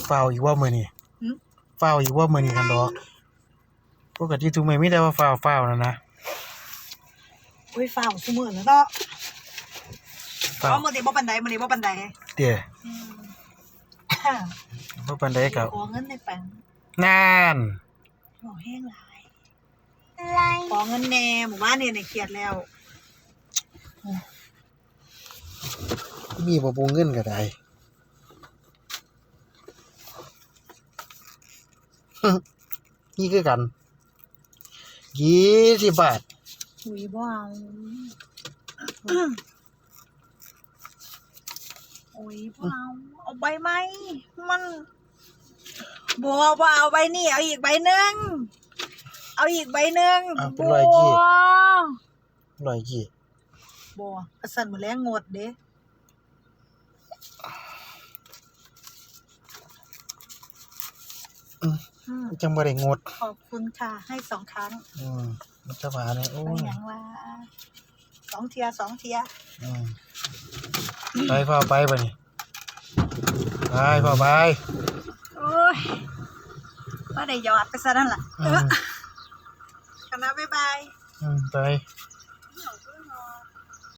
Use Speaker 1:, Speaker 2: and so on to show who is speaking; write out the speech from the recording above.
Speaker 1: ฝ้าวอีกว่ามื้อนี้ฝ้าวอีกว่ามื้อนี้กันดอกปกติทุกมื้อมีแต่ว่าฝ้าวนั่นนะ
Speaker 2: โอ้ยฝ้าวซุมื้อแล้วเนาะเอามื้อนี้บ่ปานใดมื้อนี้บ่ปานใด
Speaker 1: เด้บ่ปานใดก็
Speaker 2: ขอเงินในแปง
Speaker 1: นาน
Speaker 2: ขอแห้งหลายขอเงินแน่หมู่บ้านนี่เครียดแล้ว
Speaker 1: มีบ่ปูเงินก็ได้นี่คือกัน20 บาท
Speaker 2: อุ้ยบ่เอาโอ้ยบ่เอาใบไหมมันบ่เอาใบนี้เอาอีกใบหนึ่งเอาอีกใบหนึ่ง
Speaker 1: เป็น100กี่
Speaker 2: บ่สั่นมื้อแลงงดเด้
Speaker 1: จังบ่ได้งด
Speaker 2: ขอบคุณค่ะให้2ครั้ง
Speaker 1: มันจะว่าเนี่ยโอ้ย
Speaker 2: หยังว่า2เที่ย
Speaker 1: ไปพ่อไปบัดนี้ไปพ่อไป
Speaker 2: โอ้ยบ่ได้ยอดไปซะนั่นล่ะคณะบ๊ายบาย
Speaker 1: ไป